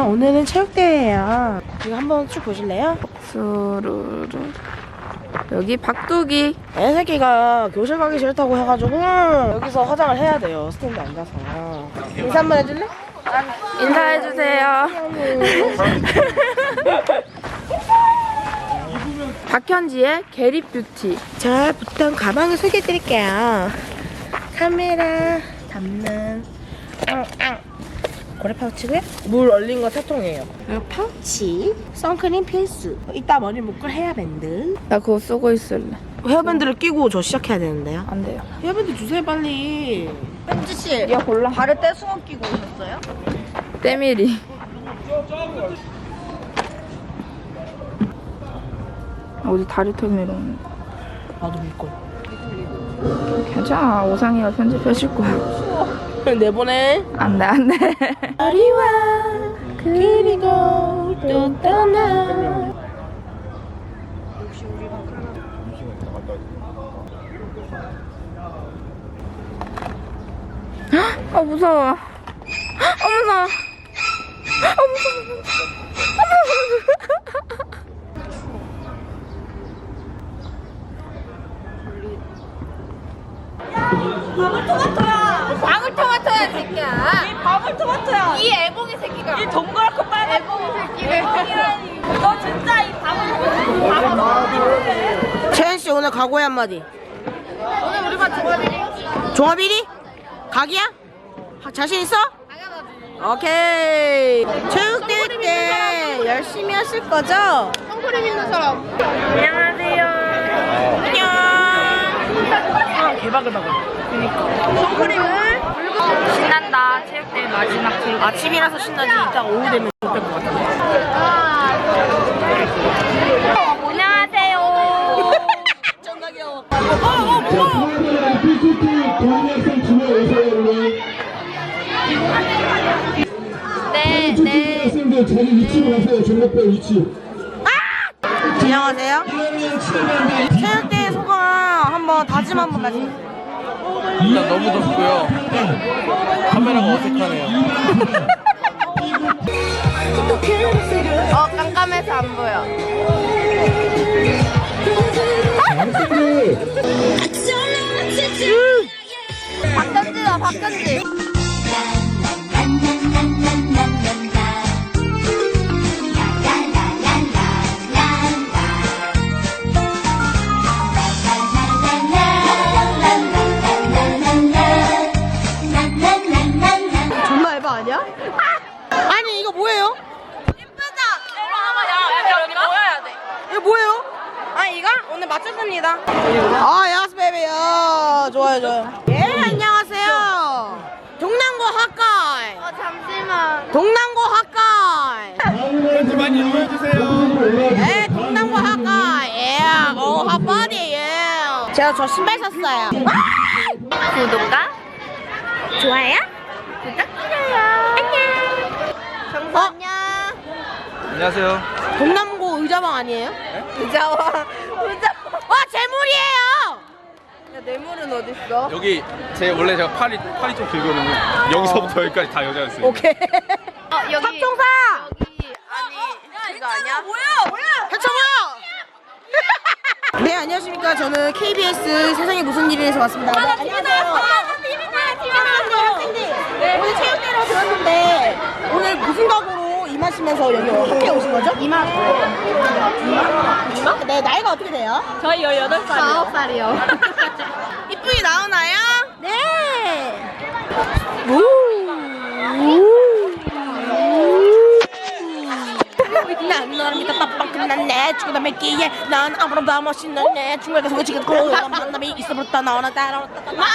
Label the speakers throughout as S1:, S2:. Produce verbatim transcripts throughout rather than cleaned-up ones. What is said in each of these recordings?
S1: 오늘은 체육대회예요. 이거 한번 쭉 보실래요?
S2: 수루루. 여기 박두기.
S1: 애 새끼가 교실 가기 싫다고 해가지고 여기서 화장을 해야 돼요. 스탠드 앉아서. 인사 한번 해줄래?
S2: 인사해주세요. 박현지의 게리뷰티.
S1: 자, 부터 가방을 소개해드릴게요. 카메라 담는 고래 파우치고요. 물 얼린 거 세 통이에요. 그리고 파우치, 선크림 필수. 이따 머리 묶을 헤어밴드.
S2: 나 그거 쓰고 있을래.
S1: 헤어밴드를 끼고 저 시작해야 되는데요.
S2: 안 돼요.
S1: 헤어밴드 주세요 빨리.
S3: 현지씨,
S2: 야 골라.
S3: 발에 떼수건 끼고 오셨어요?
S2: 때밀이. 어디 다리 털 내려오는.
S1: 나도 밀걸.
S2: 괜찮아. 오상이가 편집해줄 거야.
S1: 내보내.
S2: 안돼 안돼.
S1: 우리와 그리고 또 떠나.
S2: 아 무서워. 아 무서워. 아 무서워.
S3: 방울토마토야!
S2: 방울토마토야 새끼야.
S3: 이 방울토마토야!
S2: 이 애봉이 새끼가.
S3: 이 동그랗고 빨간
S2: 애봉이 새끼를.
S3: 애봉이라니! 너 진짜 이 방울토마토!
S1: 채연씨 오늘 각오의 한마디.
S2: 오늘 우리 반 종합일이.
S1: 종합일이? 각이야? 하- 자신 있어?
S2: 당연하지.
S1: 오케이. 체육대회 때 열심히 하실 거죠?
S2: 선크림 있는 사람. 안녕하세요.
S1: 안녕. 아, 개바글바글. 선크림을
S2: 신난다. 체육대회 마지막 체육.
S1: 아침이라서 신나지. 이따 오후 되면 못될 것 같아.
S2: 안녕하세요.
S1: 존나 귀여워.
S4: 자, 피씨티 동학생 주로 오세요, 여러분.
S2: 네,
S4: 피씨티
S2: 네.
S4: 학생들 자기 위치로 오세요, 종목별 위치.
S1: 안녕하세요. 체육대회 소감 한번 다짐 한번 다시.
S5: 일단 너무 덥고요. 카메라가 어색하네요.
S2: 어 깜깜해서 안 보여.
S4: 학생들.
S2: 박현지다 박현지.
S1: 존나 에바 아니야? 아니 이거 뭐예요? 이거 뭐예요? 아 이거 오늘 맞췄습니다. 아 야스 베이비요. 좋아요 좋아요. 예 안녕하세요. 동남고 학과이.
S2: 어 잠시만.
S1: 동남고 학과이.
S4: 편지 많이 이용해주세요.
S1: 예 동남고 학과이. 예. 오 핫바디 예. 제가 저 신발 샀어요.
S2: 구독과
S1: 좋아요?
S2: 부탁드려요. 안녕.
S1: 어?
S2: 안녕.
S5: 안녕하세요.
S1: 동남고 의자방 아니에요?
S2: 의자와 의자.
S1: 와 재물이에요.
S2: 야 뇌물은 어딨어?
S5: 여기 제 원래 제가 팔이 팔이 좀 길거든요. 여기서부터 여기까지 다 여자였어요.
S1: 오케이.
S2: 어 여기.
S1: 탑종사.
S2: 여기 아니 이거 아니야?
S1: 해쳐 뭐야? 네 안녕하십니까. 저는 케이비에스 세상에 무슨 일이에서 왔습니다. 네, 안녕하세요. 네, 오늘 체육대회로 들었는데 오늘 무슨 각오로 임하시면서 여기 학교에 오신 거죠? 이마. 이마? 네 나이가 어떻게 돼요?
S3: 저희 열여덟 살이요.
S2: 아홉 살이요.
S1: 이쁘게 나오나요? 네. 난 너를 믿어 빡빡 끝났네 죽어다 맺기에 난 아무런 다 멋있는데 중간에 소개치겠고 만남이 있어부터 나오나 따라왔다 만!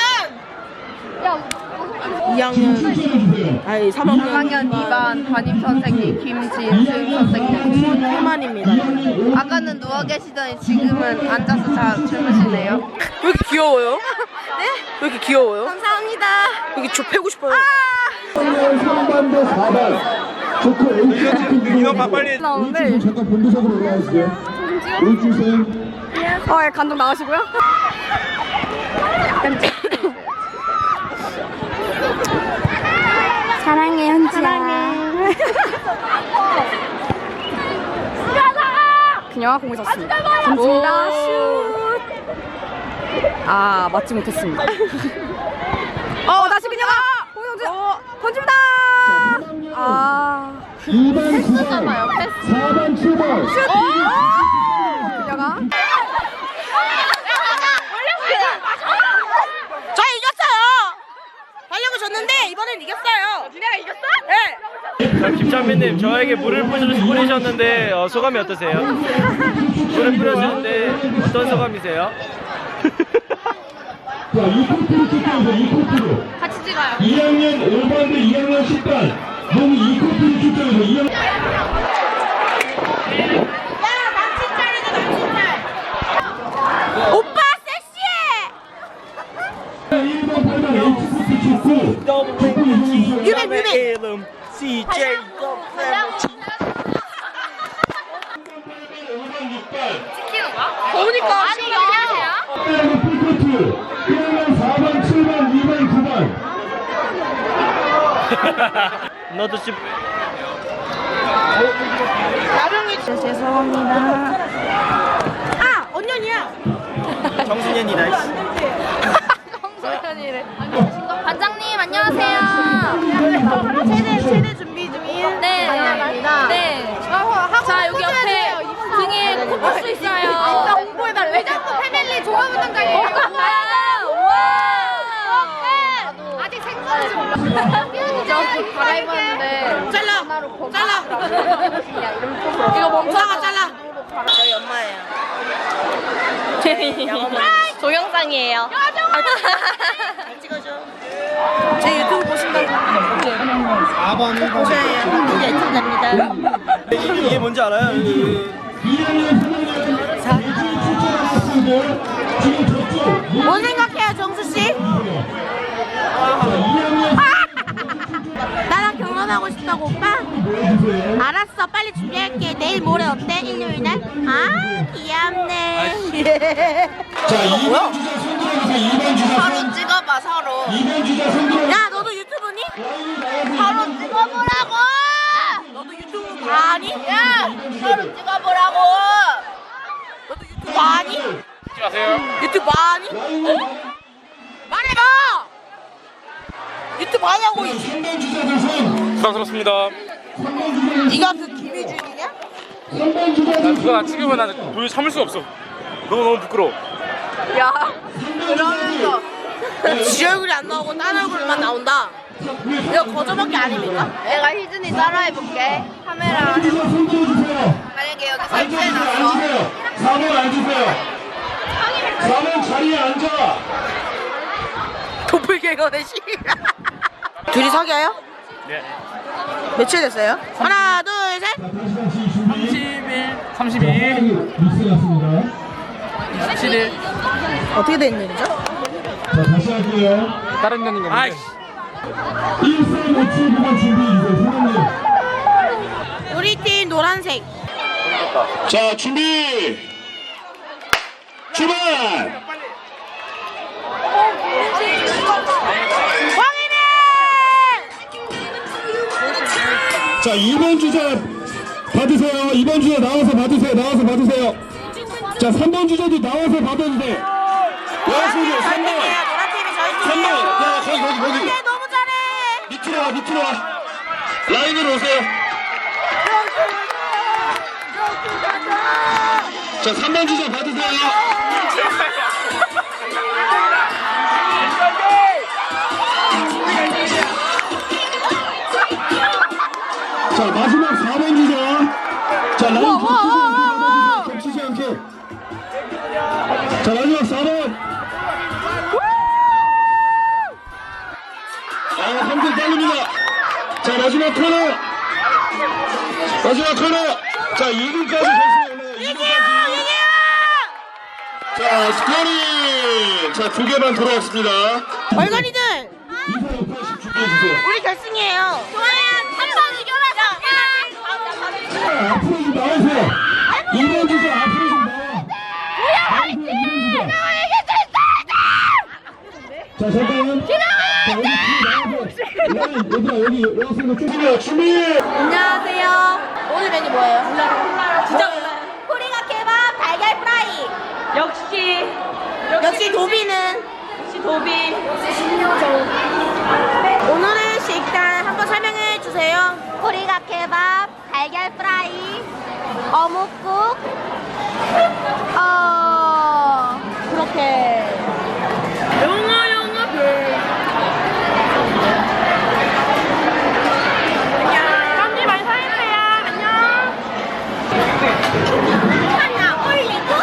S1: 이 학년 아니 삼 학년
S2: 삼 학년 이 반 담임 선생님 김진승 선생님.
S1: 그만입니다.
S2: 아까는 누워 계시더니 지금은 앉아서 자 주무시네요.
S1: 왜 이렇게 귀여워요?
S2: 네?
S1: 왜 이렇게 귀여워요?
S2: 감사합니다.
S1: 여기 저 패고 싶어요.
S4: 삼 반대 사 반. 조커 H
S5: 인원 봐, 빨리.
S4: H팀 잠깐 본부석으로 올라와주세요. H팀.
S2: 어, 예, 감독 나오시고요.
S6: 사랑해 현지야. 사랑해.
S2: 그녀가 공을 쳤습니다. 던집니다. 슛. 아 맞지 못했습니다. 어 다시 그녀가 공을 던지 던집니다. 아
S4: 이 번 구 번 사 번 칠 번
S2: 슛. 그녀가
S1: 저 이겼어요. 활력을 줬는데 이번엔 이겼어요. 니네가 이겼어? 네.
S6: 자, 김창빈님 저에게 물을 뿌리- 뿌리셨는데 어, 소감이 어떠세요? 물을 뿌려주는데 어떤 소감이세요?
S4: 자, 이 코트로 출전해서 이 코트로
S2: 같이 찍어요.
S4: 이 학년 오 반 대 이 학년 십 반 너무 이 코트로 출전해서 이 학년
S1: 오빠 섹시해.
S4: 일 번 팔 번 H코트 축구 축구 이동해주세요.
S1: 유배 유배.
S6: 이름 씨제이
S2: 보니까 아니 이거
S4: 빼고 풀코트 일 학년 사 번 칠 번 이 번 구 번
S6: 너도 씨
S1: 죄송합니다. 아 언년이야.
S6: 정순현이다. 씨.
S2: 성소연이래. 반장님 안녕하세요.
S1: 세대 세대 준비 중인.
S2: 네. 네. 자 여기 옆에 등에 코뿔소 있어요. 홍보해달래. 왜 자꾸 패밀리 종합운동장에 와. 아직 생선인지 몰라. 저 갈아입었는데
S1: 잘라. 잘라.
S2: 이거 멈춰가
S1: 잘라. 저희 엄마예요.
S3: 동영상이에요.
S1: 잘 찍어줘. 제 유튜브 보신다고. 사 번을 보셔야 해요. 이제 애청자입니다.
S6: 이게 뭔지 알아요?
S4: 이 학년 삼 학년 출전한 학생들 지금 저쪽
S1: 뭔 생각해요, 정수 씨? 나랑 결혼하고 싶다고 오빠? 알았어, 빨리 준비할게. 내일 모레 어때? 일요일 날? 아, 귀엽네.
S4: 자 이 번 주자 손들어주세요. 이 번 주자
S1: 서로 찍어봐, 서로.
S4: 이 번 주자 손들어
S1: 야, 너도 유튜브니?
S4: 서로
S1: 서로 찍어보라고! 너도 유튜브 봐니? 야, 서로 찍어보라고! 너도 유튜브 봐니?
S5: 하세요.
S1: 유튜브 봐니? 말해봐! 유튜브 하냐고!
S4: 삼 번 주자들 손
S5: 부담스럽습니다.
S1: 네가 그 김희준이냐?
S4: 삼 번 주자들
S5: 그거 나 찍으면 나 도저히 참을 수가 없어. 너무 너무 부끄러워.
S1: 야, 그러면서 지 얼굴이 안 나오고 딴 얼굴만 나온다. 이거 거저먹기 아닙니까?
S2: 내가 희준이 따라해볼게. 카메라
S4: 주자 손들어주세요.
S2: 만약에 여기
S4: 앉으세요. 앉으세요. 사 번 앉으세요. 사 번 자리에 앉아.
S1: 도플갱어네 씨. 둘이 사귀어요?
S5: 네.
S1: 며칠 됐어요? 하나, 둘, 셋.
S4: 자, 다시 다시 준비.
S5: 삼십일.
S4: 미스 났습니다.
S5: 이십칠 일.
S1: 어떻게 된 일이죠?
S4: 자, 다시 할게요.
S5: 다른 년인 건데. 아이씨.
S4: 일 삼 오 칠 구 번 준비해주세요. 사장님.
S1: 우리 팀 노란색.
S4: 자, 준비. 출발.
S1: 광희네!
S4: 자, 이 번 주자 받으세요. 이 번 주자 나와서 받으세요. 나와서 받으세요. 자, 삼 번 주자도 나와서 받아도 돼. 나와서
S1: 저희
S4: 삼 번.
S1: 팀이에요. 노란 팀이 저희
S4: 삼 번.
S1: 팀이에요.
S4: 야, 거기, 거기, 거기.
S1: 네, 너무 잘해.
S4: 밑으로 와, 밑으로 와. 라인으로 오세요. 자, 삼 번 주자 받으세요. 자, 마지막 사 번 주자. 자, 라인 겹치지 않게. 겹치지 않게. 자, 마지막 사 번. 아, 한 분 빠릅니다. 자, 마지막 코너. 마지막 코너. 자, 이 분까지 결승에 올라가요. 이 분까지. 자, 스코어링. 자, 두 개만 돌아왔습니다.
S1: 얼간이들,
S4: 이사육팔십 준비해주세요.
S1: 우리 결승이에요. 좋아요. 한번 이겨라.
S4: 앞으로 좀 나오세요. 이 번 주자 앞으로 좀 나와. 뭐야, 화이팅! 자, 잠깐만. 자, 여기 뒤에 나와서. 라인, 얘들아, 여기 여학생들 준비해요. 준비.
S1: 안녕하세요. 오늘 메뉴 뭐예요? 몰라요. 진짜 몰라요. 코리가 케밥 달걀 프라이.
S3: 역시
S1: 역시 도비는
S3: 역시 도비.
S1: 오늘의 식단 한번 설명해 주세요.
S2: 코리가 케밥, 달걀 프라이, 어묵국, 어 그렇게.
S3: 영어 영어 별.
S2: 감기 많이 사주세요. 안녕. 하나 올리고.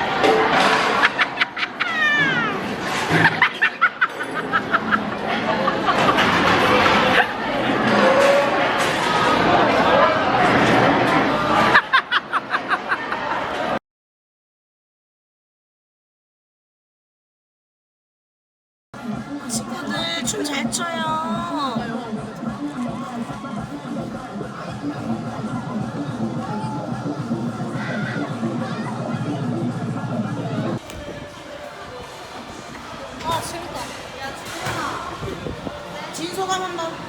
S1: 친구들 춤 잘 춰요. 아 재밌다. 진소감 한 번.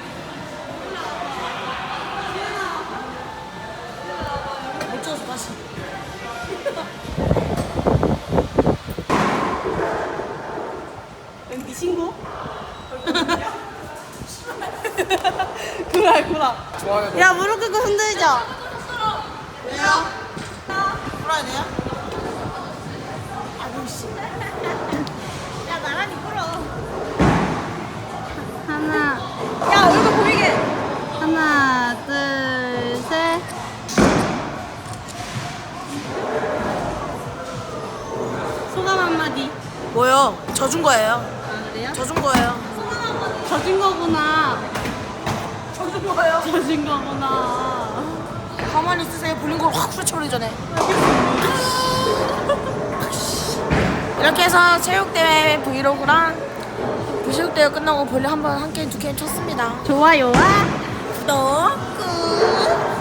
S1: 못 찍었어 다시. 네 친구? 구라 구라. 야 무릎 꿇고 흔들자. 왜요? 풀어야 돼요? 아우 씨. 야 나란히 풀어.
S2: 하나,
S1: 야 얼굴 보이게.
S2: 하나, 둘, 셋.
S1: 소감 한마디. 뭐요? 져준 거예요.
S2: 아 그래요?
S1: 져준 거예요.
S2: 젖은 거구나.
S1: 져준 거예요.
S2: 젖은 거구나.
S1: 가만히 있으세요. 볼린 걸 확 후려쳐버리기 전에. 이렇게 해서 체육대회 브이로그랑 부체육대회 끝나고 볼링 한번 한 게임 두 게임 쳤습니다.
S2: 좋아요와
S1: 구독 꾹